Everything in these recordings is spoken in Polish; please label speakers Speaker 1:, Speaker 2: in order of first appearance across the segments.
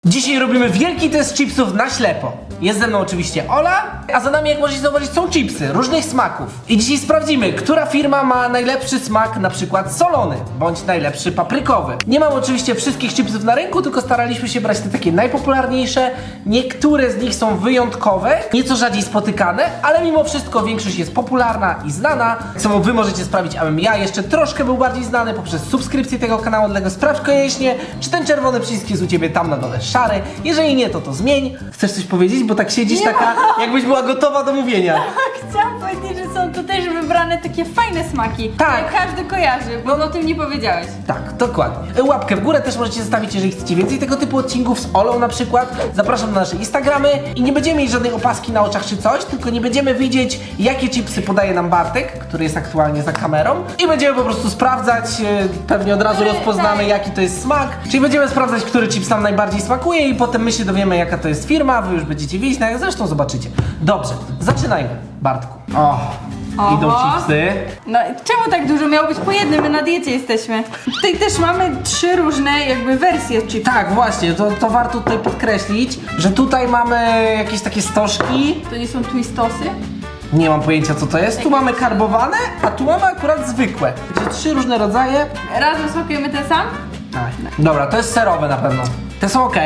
Speaker 1: Dzisiaj robimy wielki test chipsów na ślepo. Jest ze mną oczywiście Ola, a za nami, jak możecie zauważyć, są chipsy różnych smaków. I dzisiaj sprawdzimy, która firma ma najlepszy smak, na przykład solony, bądź najlepszy paprykowy. Nie mam oczywiście wszystkich chipsów na rynku, tylko staraliśmy się brać te takie najpopularniejsze. Niektóre z nich są wyjątkowe, nieco rzadziej spotykane, ale mimo wszystko większość jest popularna i znana. Co wy możecie sprawić, abym ja jeszcze troszkę był bardziej znany poprzez subskrypcję tego kanału, dlatego sprawdź koniecznie, czy ten czerwony przycisk jest u ciebie tam na dole szary. Jeżeli nie, to zmień. Chcesz coś powiedzieć? Bo tak siedzisz taka, jakbyś była gotowa do mówienia.
Speaker 2: Chciałam powiedzieć, że są tu też wybrane takie fajne smaki,
Speaker 1: Tak.
Speaker 2: które każdy kojarzy, bo o tym nie powiedziałeś.
Speaker 1: Tak, dokładnie. Łapkę w górę też możecie zostawić, jeżeli chcecie więcej tego typu odcinków z Olą na przykład. Zapraszam na nasze Instagramy i nie będziemy mieć żadnej opaski na oczach czy coś, tylko nie będziemy wiedzieć, jakie chipsy podaje nam Bartek, który jest aktualnie za kamerą, i będziemy po prostu sprawdzać, pewnie od razu rozpoznamy,
Speaker 2: tak.
Speaker 1: jaki to jest smak. Czyli będziemy sprawdzać, który chips nam najbardziej smakuje i potem my się dowiemy, jaka to jest firma, wy już będziecie wiedzieć, no jak zresztą zobaczycie. Dobrze, zaczynajmy, Bartku. Idą
Speaker 2: Oho.
Speaker 1: chipsy.
Speaker 2: No czemu tak dużo? Miało być po jednym, my na diecie jesteśmy. Tutaj też mamy 3 różne jakby wersje chipsów.
Speaker 1: Tak, właśnie, to warto tutaj podkreślić, że tutaj mamy jakieś takie stożki.
Speaker 2: To nie są twistosy?
Speaker 1: Nie mam pojęcia, co to jest. Tu mamy karbowane, a tu mamy akurat zwykłe. Czyli 3 różne rodzaje.
Speaker 2: Razem smakujemy ten sam?
Speaker 1: Dobra, to jest serowe na pewno. Te są ok.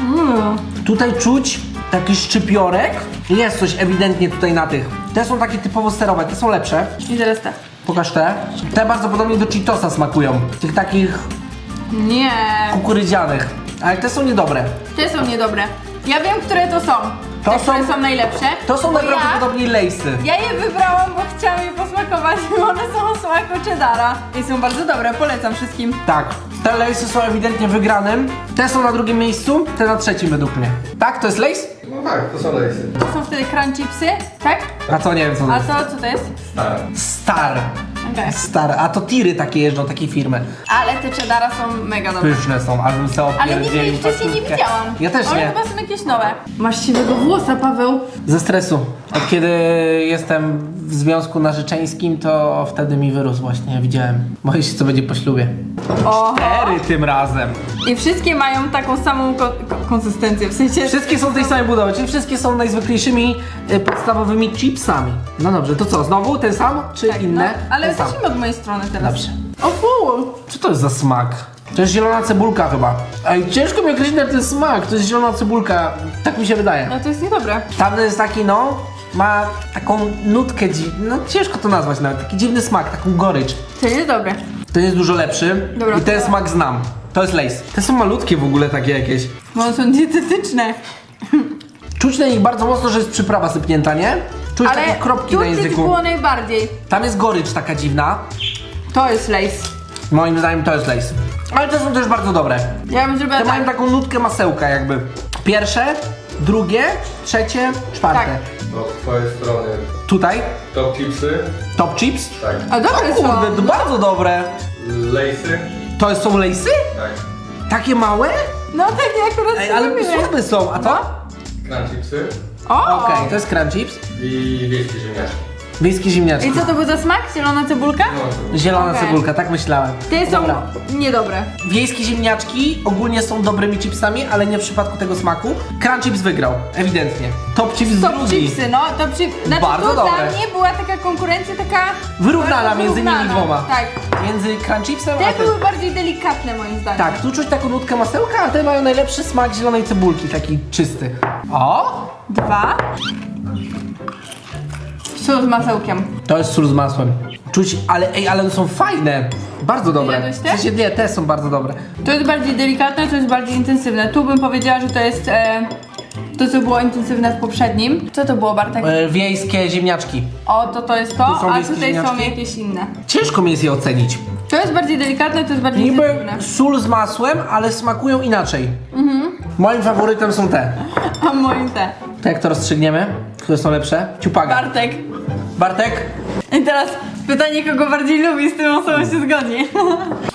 Speaker 1: Tutaj czuć taki szczypiorek. Jest coś ewidentnie tutaj na tych. Te są takie typowo serowe, te są lepsze.
Speaker 2: I teraz te.
Speaker 1: Pokaż te. Te bardzo podobnie do Cheetosa smakują. Tych takich
Speaker 2: Nie.
Speaker 1: kukurydzianych. Ale te są niedobre.
Speaker 2: Te są niedobre. Ja wiem, które to są.
Speaker 1: To
Speaker 2: Te,
Speaker 1: są-
Speaker 2: które są najlepsze.
Speaker 1: To są
Speaker 2: bo
Speaker 1: najprawdopodobniej lejsy.
Speaker 2: Ja je wybrałam, bo chciałam je posmakować, bo one są o smaku cheddara. I są bardzo dobre, polecam wszystkim.
Speaker 1: Tak, te lejsy są ewidentnie wygranym. Te są na drugim miejscu, te na trzecim według mnie. Tak? To jest lejs?
Speaker 3: No tak, to są lejsy.
Speaker 2: To są wtedy crunch chipsy, tak?
Speaker 1: A to nie wiem co to
Speaker 2: A
Speaker 1: jest.
Speaker 2: to co to jest?
Speaker 3: Stare.
Speaker 1: Star.
Speaker 2: Okej.
Speaker 1: Star. A to tiry takie jeżdżą, takiej firmy.
Speaker 2: Ale te cheddara są mega dobre.
Speaker 1: Pyszne są, aż bym sobie
Speaker 2: Ale nigdy
Speaker 1: opierdzielił
Speaker 2: ich wcześniej nie
Speaker 1: pasówkę.
Speaker 2: widziałam.
Speaker 1: Ja też
Speaker 2: One
Speaker 1: nie.
Speaker 2: chyba są jakieś nowe. Masz siwego włosa, Paweł.
Speaker 1: Ze stresu. Od kiedy jestem w związku narzeczeńskim, to wtedy mi wyrósł właśnie, widziałem. Boję się, co będzie po ślubie.
Speaker 2: Oho.
Speaker 1: 4 tym razem.
Speaker 2: I wszystkie mają taką samą konsystencję, w sensie...
Speaker 1: Wszystkie są tej samej budowy, czyli wszystkie są najzwyklejszymi podstawowymi chipsami. No dobrze, to co, znowu ten sam, czy
Speaker 2: Tak,
Speaker 1: inne?
Speaker 2: no, ale
Speaker 1: Ten sam.
Speaker 2: zacznijmy od mojej strony teraz.
Speaker 1: Dobrze.
Speaker 2: O fu!
Speaker 1: Co to jest za smak? To jest zielona cebulka chyba. Ej, ciężko mi określić na ten smak, to jest zielona cebulka, tak mi się wydaje.
Speaker 2: No to jest niedobre.
Speaker 1: Tamten jest taki, no, ma taką nutkę dziwną, no ciężko to nazwać nawet, taki dziwny smak, taką gorycz.
Speaker 2: To jest dobre.
Speaker 1: Ten jest dużo lepszy
Speaker 2: Dobra.
Speaker 1: i ten smak znam. To jest Lay's. Te są malutkie w ogóle takie jakieś.
Speaker 2: Bo one są dietetyczne.
Speaker 1: Czuć na nich bardzo mocno, że jest przyprawa sypnięta, nie? Czuć
Speaker 2: Ale
Speaker 1: takie kropki
Speaker 2: tu
Speaker 1: na
Speaker 2: czuć
Speaker 1: języku.
Speaker 2: było najbardziej.
Speaker 1: Tam jest gorycz taka dziwna.
Speaker 2: To jest lace.
Speaker 1: Moim zdaniem to jest Lay's. Ale te są też bardzo dobre.
Speaker 2: Ja bym zrobiła
Speaker 1: Te mają
Speaker 2: tak.
Speaker 1: taką nutkę masełka jakby. Pierwsze, drugie, trzecie, czwarte.
Speaker 2: Tak.
Speaker 3: No z twojej strony
Speaker 1: Tutaj
Speaker 3: top chipsy,
Speaker 1: top chips.
Speaker 3: tak.
Speaker 2: A dobre są.
Speaker 1: Kurde, to bardzo dobre.
Speaker 3: Lejsy,
Speaker 1: To są Lay'sy?
Speaker 3: tak.
Speaker 1: Takie małe?
Speaker 2: No takie akurat
Speaker 1: Ej, ale
Speaker 2: zrobiły.
Speaker 1: słabe są, a to?
Speaker 3: Crunch chipsy
Speaker 2: O!
Speaker 1: Okej, to jest crunch chips.
Speaker 3: i wiejskie ziemniaczki.
Speaker 1: Wiejskie ziemniaczki.
Speaker 2: I co to był za smak? Zielona cebulka?
Speaker 3: No,
Speaker 1: Zielona
Speaker 2: Okej.
Speaker 1: cebulka, tak myślałem.
Speaker 2: Te są
Speaker 1: Dobra.
Speaker 2: niedobre.
Speaker 1: Wiejskie ziemniaczki ogólnie są dobrymi chipsami, ale nie w przypadku tego smaku. Crunch chips wygrał, ewidentnie. Top chips
Speaker 2: Top
Speaker 1: drugi.
Speaker 2: chipsy, no top chip. Znaczy
Speaker 1: Bardzo
Speaker 2: tu
Speaker 1: dobre.
Speaker 2: dla mnie była taka konkurencja taka...
Speaker 1: Wyrównana
Speaker 2: bardzo
Speaker 1: między nimi
Speaker 2: wyrównana.
Speaker 1: dwoma.
Speaker 2: Tak.
Speaker 1: Między crunch chipsem a
Speaker 2: Te
Speaker 1: tym.
Speaker 2: były bardziej delikatne moim zdaniem.
Speaker 1: Tak, tu czuć taką nutkę masełka, a te mają najlepszy smak zielonej cebulki, taki czysty. O!
Speaker 2: 2. Sól z masełkiem.
Speaker 1: To jest sól z masłem. Czuć, ale one są fajne. Bardzo dobre.
Speaker 2: Jadłeś te?
Speaker 1: W sensie, nie, te są bardzo dobre.
Speaker 2: To jest bardziej delikatne, to jest bardziej intensywne. Tu bym powiedziała, że to jest to, co było intensywne w poprzednim. Co to było, Bartek?
Speaker 1: Wiejskie ziemniaczki.
Speaker 2: O, to jest to,
Speaker 1: Tu są
Speaker 2: a
Speaker 1: wiejskie
Speaker 2: tutaj są
Speaker 1: ziemniaczki?
Speaker 2: jakieś inne.
Speaker 1: Ciężko mi jest je ocenić.
Speaker 2: To jest bardziej delikatne, to jest bardziej
Speaker 1: Niby
Speaker 2: intensywne.
Speaker 1: sól z masłem, ale smakują inaczej. Moim faworytem są te.
Speaker 2: A moim te.
Speaker 1: To jak to rozstrzygniemy? Które są lepsze? Ciupaga.
Speaker 2: Bartek.
Speaker 1: Bartek?
Speaker 2: I teraz pytanie, kogo bardziej lubi, z którą osobą się zgodzi.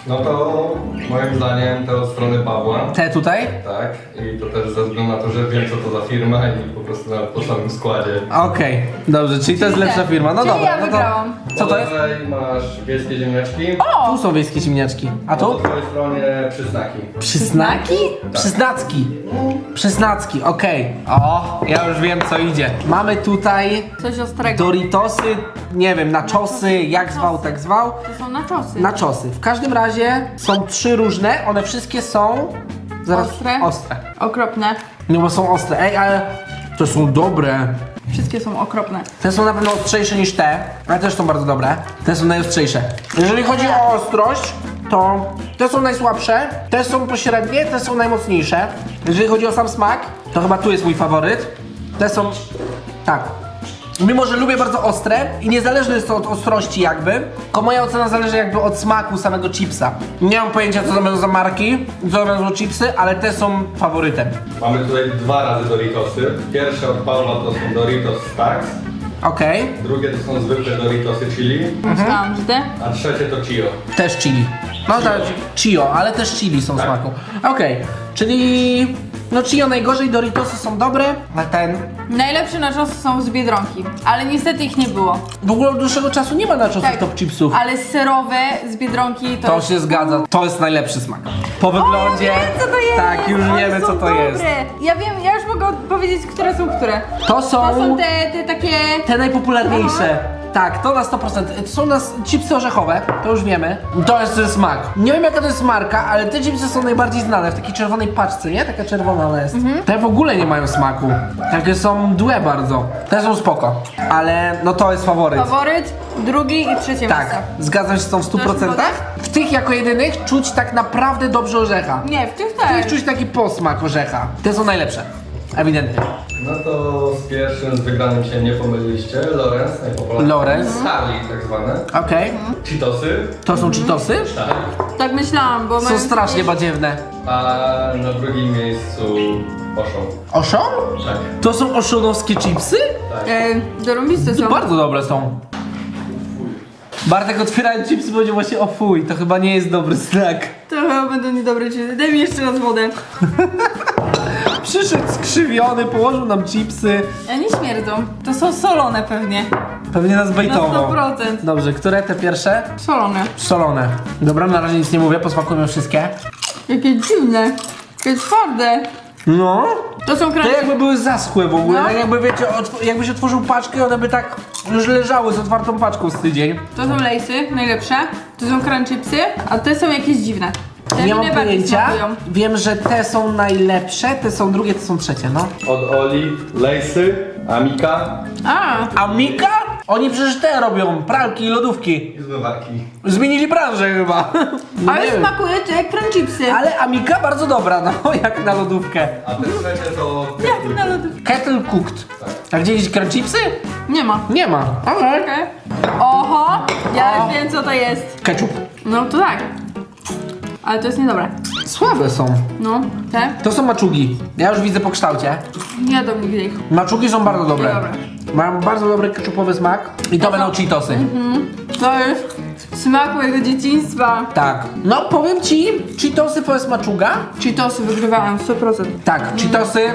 Speaker 3: No to moim zdaniem te od strony Pawła.
Speaker 1: Te tutaj?
Speaker 3: Tak. I to też ze względu na to, że wiem co to za firma i po prostu nawet po samym składzie.
Speaker 1: Okej, dobrze, czyli to jest
Speaker 2: te.
Speaker 1: lepsza firma. No
Speaker 2: Czyli
Speaker 1: dobra,
Speaker 2: ja
Speaker 1: no to...
Speaker 2: wygrałam.
Speaker 1: Co to jest?
Speaker 3: Tutaj masz wiejskie ziemniaczki.
Speaker 1: Tu są wiejskie ziemniaczki. A
Speaker 3: Po
Speaker 1: tu?
Speaker 3: twojej stronie przysnaki.
Speaker 1: Przyznaki? Przyznacki. Przyznacki, okej. O, ja już wiem co idzie. Mamy tutaj
Speaker 2: Coś ostrego.
Speaker 1: Doritosy, nie wiem, naczosy, jak zwał, tak zwał.
Speaker 2: To są naczosy.
Speaker 1: Naczosy. W każdym razie są 3 różne, one wszystkie są...
Speaker 2: Ostre?
Speaker 1: Ostre.
Speaker 2: Okropne.
Speaker 1: No bo są ostre. Ej, ale to są dobre.
Speaker 2: Wszystkie są okropne.
Speaker 1: Te są na pewno ostrzejsze niż te, ale też są bardzo dobre. Te są najostrzejsze. Jeżeli chodzi o ostrość, to te są najsłabsze, te są pośrednie, te są najmocniejsze. Jeżeli chodzi o sam smak, to chyba tu jest mój faworyt. Te są... tak. Mimo, że lubię bardzo ostre i niezależne jest to od ostrości jakby, tylko moja ocena zależy jakby od smaku samego chipsa. Nie mam pojęcia co to będą za marki, co to będą za chipsy, ale te są faworytem.
Speaker 3: Mamy tutaj 2 razy Doritosy. Pierwsze od Pawła to są Doritos Stacks.
Speaker 1: Okej,
Speaker 3: Drugie to są zwykłe Doritosy chili.
Speaker 2: Myślałam, że te.
Speaker 3: A trzecie to Chio.
Speaker 1: też chili. No tak, Chio, ale też chili są
Speaker 3: Tak.
Speaker 1: smaku. Okej, czyli... no Chio najgorzej, Doritosy są dobre, a ten...
Speaker 2: Najlepsze naczosy są z Biedronki, ale niestety ich nie było.
Speaker 1: W ogóle od dłuższego czasu nie ma naczosów
Speaker 2: Tak.
Speaker 1: top chipsów.
Speaker 2: Ale serowe z Biedronki to...
Speaker 1: To się zgadza, to jest najlepszy smak. Po wyglądzie...
Speaker 2: O, ja wiem, co to jest!
Speaker 1: Tak, już
Speaker 2: One
Speaker 1: wiemy
Speaker 2: są
Speaker 1: co to
Speaker 2: dobre.
Speaker 1: jest.
Speaker 2: Ja wiem, ja już mogę powiedzieć, które są które.
Speaker 1: To są...
Speaker 2: To są te takie...
Speaker 1: Te najpopularniejsze. Tak, to na 100%. To są nas chipsy orzechowe, to już wiemy. To jest ten smak. Nie wiem jaka to jest marka, ale te chipsy są najbardziej znane w takiej czerwonej paczce, nie? Taka czerwona ona jest. Te w ogóle nie mają smaku. Takie są mdłe bardzo. Te są spoko. Ale no to jest faworyt.
Speaker 2: Faworyt, drugi i trzecie
Speaker 1: Tak,
Speaker 2: miejsce.
Speaker 1: zgadzam się z tą w 100%.
Speaker 2: zgoda?
Speaker 1: W tych jako jedynych czuć tak naprawdę dobrze orzecha.
Speaker 2: Nie, w tych
Speaker 1: W tych
Speaker 2: też.
Speaker 1: czuć taki posmak orzecha. Te są najlepsze. Ewidentnie.
Speaker 3: No to z pierwszym, z wygranym się nie pomyliliście. Lorenz, najpopularniejszy.
Speaker 1: Lorenz.
Speaker 3: Charlie tak zwane.
Speaker 1: Okej.
Speaker 3: Cheetosy.
Speaker 1: To są Cheetosy?
Speaker 3: Tak.
Speaker 2: Tak myślałam, bo...
Speaker 1: Są
Speaker 2: mają
Speaker 1: strasznie
Speaker 2: takie-
Speaker 1: badziewne.
Speaker 3: A na drugim miejscu Oszą.
Speaker 1: Oszon?
Speaker 3: Tak.
Speaker 1: To są oszonowskie chipsy?
Speaker 2: Dorąbiste są.
Speaker 1: Bardzo dobre są. Bartek otwierając chipsy powiedział właśnie o fuj, to chyba nie jest dobry znak.
Speaker 2: To chyba będą niedobre chipsy. Daj mi jeszcze raz wodę.
Speaker 1: Przyszedł skrzywiony, położył nam chipsy.
Speaker 2: A nie śmierdzą. To są solone pewnie.
Speaker 1: Pewnie nas
Speaker 2: Na
Speaker 1: bejtował.
Speaker 2: 100%.
Speaker 1: Dobrze, które te pierwsze?
Speaker 2: Solone.
Speaker 1: Solone. Dobra, na razie nic nie mówię, posmakujmy wszystkie.
Speaker 2: Jakie dziwne. Jakie twarde.
Speaker 1: No.
Speaker 2: To są
Speaker 1: To
Speaker 2: crunchy.
Speaker 1: jakby były zaschłe w ogóle,
Speaker 2: No.
Speaker 1: tak jakby wiecie, jakbyś otworzył paczkę, one by tak już leżały z otwartą paczką z tydzień.
Speaker 2: To są lejsy, najlepsze. To są crunchipsy, a te są jakieś dziwne. Te
Speaker 1: Nie
Speaker 2: mi
Speaker 1: mam
Speaker 2: najbardziej
Speaker 1: pojęcia.
Speaker 2: smakują.
Speaker 1: Wiem, że te są najlepsze, te są drugie, te są trzecie, no.
Speaker 3: Od Oli, Lejsy, Amika
Speaker 2: A,
Speaker 1: A Mika? Oni przecież te robią, pralki i lodówki.
Speaker 3: i zmywarki.
Speaker 1: Zmienili branżę chyba.
Speaker 2: ale
Speaker 1: Nie wiem.
Speaker 2: smakuje to jak crunchipsy.
Speaker 1: Ale Amika bardzo dobra, no jak na lodówkę.
Speaker 3: A te trzecie to...
Speaker 2: Jak na lodówce.
Speaker 1: Kettle cooked. A gdzie gdzieś crunchipsy?
Speaker 2: Nie ma.
Speaker 1: Nie ma. Okej.
Speaker 2: Okej. Oho, ja
Speaker 1: O.
Speaker 2: już wiem co to jest.
Speaker 1: Ketchup.
Speaker 2: No to tak. Ale to jest niedobre.
Speaker 1: Słabe są.
Speaker 2: No, te?
Speaker 1: To są maczugi. Ja już widzę po kształcie.
Speaker 2: Nie jadam nigdy ich.
Speaker 1: Maczugi są bardzo dobre.
Speaker 2: Dobre.
Speaker 1: Mają bardzo dobry ketchupowy smak. I to będą Cheetosy.
Speaker 2: To jest smak mojego dzieciństwa.
Speaker 1: Tak. No powiem ci, Cheetosy to jest maczuga.
Speaker 2: Cheetosy wygrywałem 100%.
Speaker 1: Tak, Cheetosy.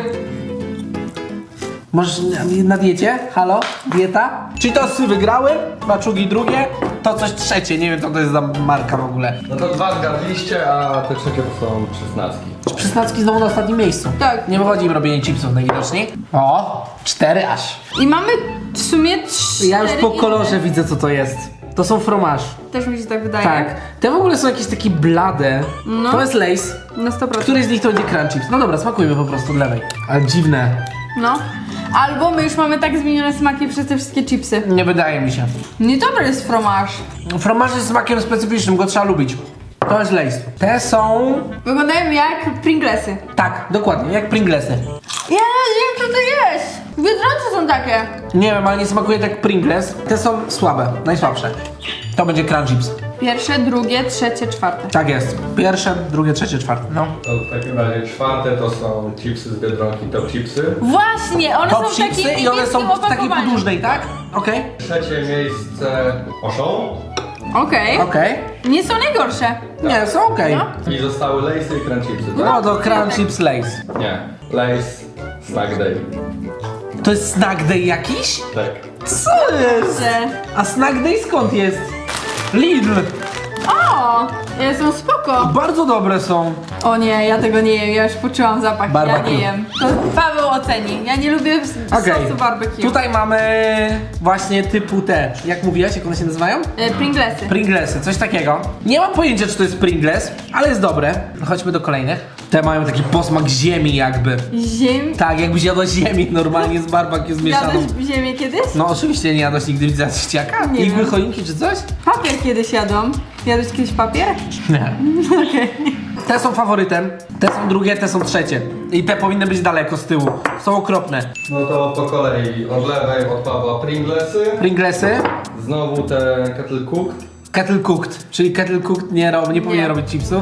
Speaker 1: Możesz na diecie? Halo? Dieta? Cheetosy wygrały, maczugi drugie, to coś trzecie, nie wiem co to jest za marka w ogóle.
Speaker 3: No to 2 zgadliście, a te trzecie to są przysnacki.
Speaker 1: Przysnacki znowu na ostatnim miejscu.
Speaker 2: Tak.
Speaker 1: Nie wychodzi im robienie chipsów najwidoczniej. O, 4 aż.
Speaker 2: I mamy w sumie 3.
Speaker 1: Ja już po kolorze widzę co to jest. To są fromage.
Speaker 2: Też mi się tak wydaje.
Speaker 1: Tak. Te w ogóle są jakieś takie blade.
Speaker 2: No.
Speaker 1: To jest Lay's.
Speaker 2: Na 100%.
Speaker 1: Który z nich to będzie crunch chips? No dobra, smakujmy po prostu od lewej. Ale dziwne.
Speaker 2: No. Albo my już mamy tak zmienione smaki przez te wszystkie chipsy.
Speaker 1: Nie wydaje mi się.
Speaker 2: Niedobry jest fromage.
Speaker 1: Fromage jest smakiem specyficznym, go trzeba lubić. To jest Lay's. Te są...
Speaker 2: Wyglądają jak Pringlesy.
Speaker 1: Tak, dokładnie, jak Pringlesy.
Speaker 2: Ja nie wiem co to jest. Biedronce są takie.
Speaker 1: Nie wiem, ale nie smakuje tak Pringles. Te są słabe, najsłabsze. To będzie crunch chips.
Speaker 2: Pierwsze, drugie, trzecie, czwarte.
Speaker 1: Tak jest. Pierwsze, drugie, trzecie, czwarte. No.
Speaker 3: To w takim razie czwarte to są chipsy z Biedronki, top chipsy.
Speaker 2: Właśnie, one
Speaker 1: Top
Speaker 2: są w takim
Speaker 1: chipsy i one są
Speaker 2: niebieskim
Speaker 1: w takiej
Speaker 2: opakowaniu.
Speaker 1: podłużnej, tak? Okej.
Speaker 3: Trzecie miejsce Oszą.
Speaker 2: Okej.
Speaker 1: Okej.
Speaker 2: Nie są najgorsze.
Speaker 1: Nie, są okej.
Speaker 2: No.
Speaker 3: I zostały Lay'sy i Crunch Chipsy, tak?
Speaker 1: No to Crunch Chips Lays.
Speaker 3: Nie. Lay's Snack Day.
Speaker 1: To jest Snack Day jakiś?
Speaker 3: Tak.
Speaker 1: Co jest?
Speaker 2: Że...
Speaker 1: A Snack Day skąd jest? Lidl.
Speaker 2: O! Są spoko.
Speaker 1: Bardzo dobre są.
Speaker 2: O nie, ja tego nie jem, ja już poczułam zapach,
Speaker 1: Barbecue.
Speaker 2: ja nie jem. To Paweł oceni, ja nie lubię
Speaker 1: Okej.
Speaker 2: sosu barbecue.
Speaker 1: Tutaj mamy właśnie typu te, jak mówiłaś, jak one się nazywają?
Speaker 2: Pringlesy.
Speaker 1: Pringlesy, coś takiego. Nie mam pojęcia, czy to jest Pringles, ale jest dobre. Chodźmy do kolejnych. Te mają taki posmak ziemi jakby.
Speaker 2: Ziem...
Speaker 1: Tak, jakbyś jadła ziemi normalnie z barbecue zmieszaną.
Speaker 2: Jadłeś ziemię kiedyś?
Speaker 1: No oczywiście nie jadłaś nigdy widzę ściaka?
Speaker 2: Nie
Speaker 1: Igły
Speaker 2: wiem.
Speaker 1: choinki czy coś?
Speaker 2: Papier kiedyś jadłam. Jadłeś kiedyś papier?
Speaker 1: Nie.
Speaker 2: Okej.
Speaker 1: Te są faworytem, te są drugie, te są trzecie. I te powinny być daleko z tyłu. Są okropne.
Speaker 3: No to po kolei od lewej od Pawła Pringlesy.
Speaker 1: Pringlesy,
Speaker 3: Znowu te Kettle Cooked
Speaker 1: kettle cooked, czyli kettle cooked nie powinien
Speaker 2: Nie.
Speaker 1: robić chipsów.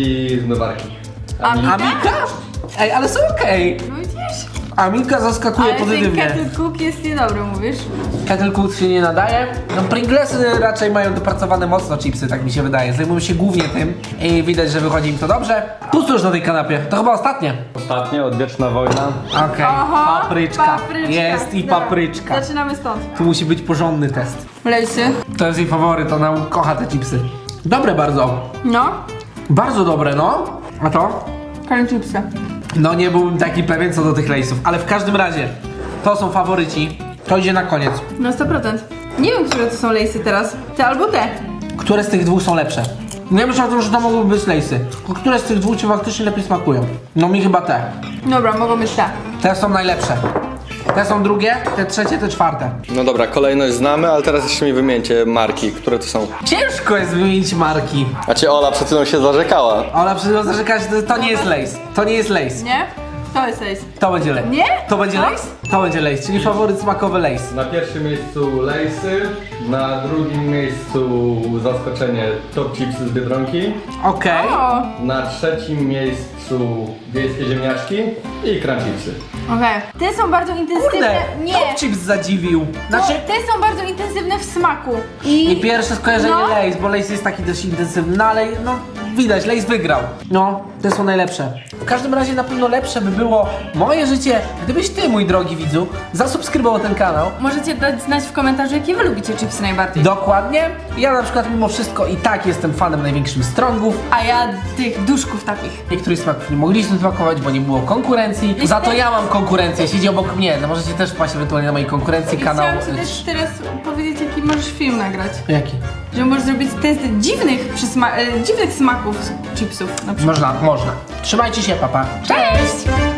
Speaker 3: i zmywarki.
Speaker 2: Amika?
Speaker 1: Amika? Ej, ale są okej.
Speaker 2: No widzisz?
Speaker 1: Amika zaskakuje
Speaker 2: Ale ten
Speaker 1: pozytywnie.
Speaker 2: kettle cook jest niedobry, mówisz?
Speaker 1: Kettle cooked się nie nadaje. No Pringlesy raczej mają dopracowane mocno chipsy, tak mi się wydaje. Zajmują się głównie tym i widać, że wychodzi im to dobrze. Pusto już na tej kanapie, to chyba ostatnie.
Speaker 3: Ostatnie, Odwieczna Wojna.
Speaker 1: Okej,
Speaker 2: Oho,
Speaker 1: papryczka. Jest i
Speaker 2: Dobra,
Speaker 1: papryczka.
Speaker 2: Zaczynamy stąd.
Speaker 1: Tu musi być porządny test.
Speaker 2: Lejsy.
Speaker 1: To jest jej faworyt, ona kocha te chipsy. Dobre bardzo.
Speaker 2: No.
Speaker 1: Bardzo dobre, no. A to?
Speaker 2: Curry chipsy.
Speaker 1: No nie byłbym taki pewien co do tych lejsów, ale w każdym razie to są faworyci. To idzie na koniec.
Speaker 2: Na 100%. Nie wiem, które to są lejsy teraz. Te albo te.
Speaker 1: Które z tych dwóch są lepsze? Nie myślę o tym, że to mogłyby być lejsy. Które z tych dwóch ci faktycznie lepiej smakują? No mi chyba te.
Speaker 2: Dobra, mogą być te.
Speaker 1: Te są najlepsze. Te są drugie, te trzecie, te czwarte.
Speaker 3: No dobra, kolejność znamy, ale teraz jeszcze mi wymieńcie marki, które to są.
Speaker 1: Ciężko jest wymienić marki.
Speaker 3: A cię Ola przed chwilą się zarzekała.
Speaker 1: Ola przed chwilą zarzekała, że to nie jest lejs. To nie jest lejs.
Speaker 2: Nie? To jest lejs.
Speaker 1: To będzie lejs.
Speaker 2: Nie?
Speaker 1: To będzie
Speaker 2: Co?
Speaker 1: lejs? To będzie lejs, czyli faworyt smakowy lejs.
Speaker 3: Na pierwszym miejscu Lay'sy, na drugim miejscu zaskoczenie Top Chipsy z Biedronki,
Speaker 1: Okej.
Speaker 2: O!
Speaker 3: na trzecim miejscu wiejskie ziemniaczki i Crunch Chipsy.
Speaker 2: Okej. Te są bardzo intensywne.
Speaker 1: Kurde,
Speaker 2: Nie.
Speaker 1: Top Chips zadziwił. Znaczy,
Speaker 2: Te są bardzo intensywne w smaku.
Speaker 1: i pierwsze skojarzenie
Speaker 2: No.
Speaker 1: Lays, bo Lays jest taki dość intensywny, no ale no widać, Lays wygrał. No, te są najlepsze. W każdym razie na pewno lepsze by było moje życie, gdybyś ty, mój drogi widzu, zasubskrybował ten kanał.
Speaker 2: Możecie dać znać w komentarzu, jakie wy lubicie chipsy najbardziej.
Speaker 1: Dokładnie. Ja na przykład mimo wszystko i tak jestem fanem największym Strongów.
Speaker 2: A ja tych duszków takich.
Speaker 1: Niektórych smaków nie mogliśmy smakować, bo nie było konkurencji. Za to ja mam konkurencję, siedzi obok mnie. No możecie też wpaść ewentualnie na mojej konkurencji kanał.
Speaker 2: Chciałam ci też teraz powiedzieć, jaki możesz film nagrać.
Speaker 1: Jaki?
Speaker 2: Że możesz zrobić test dziwnych, dziwnych smaków chipsów na przykład.
Speaker 1: Można. Trzymajcie się, papa.
Speaker 2: Cześć!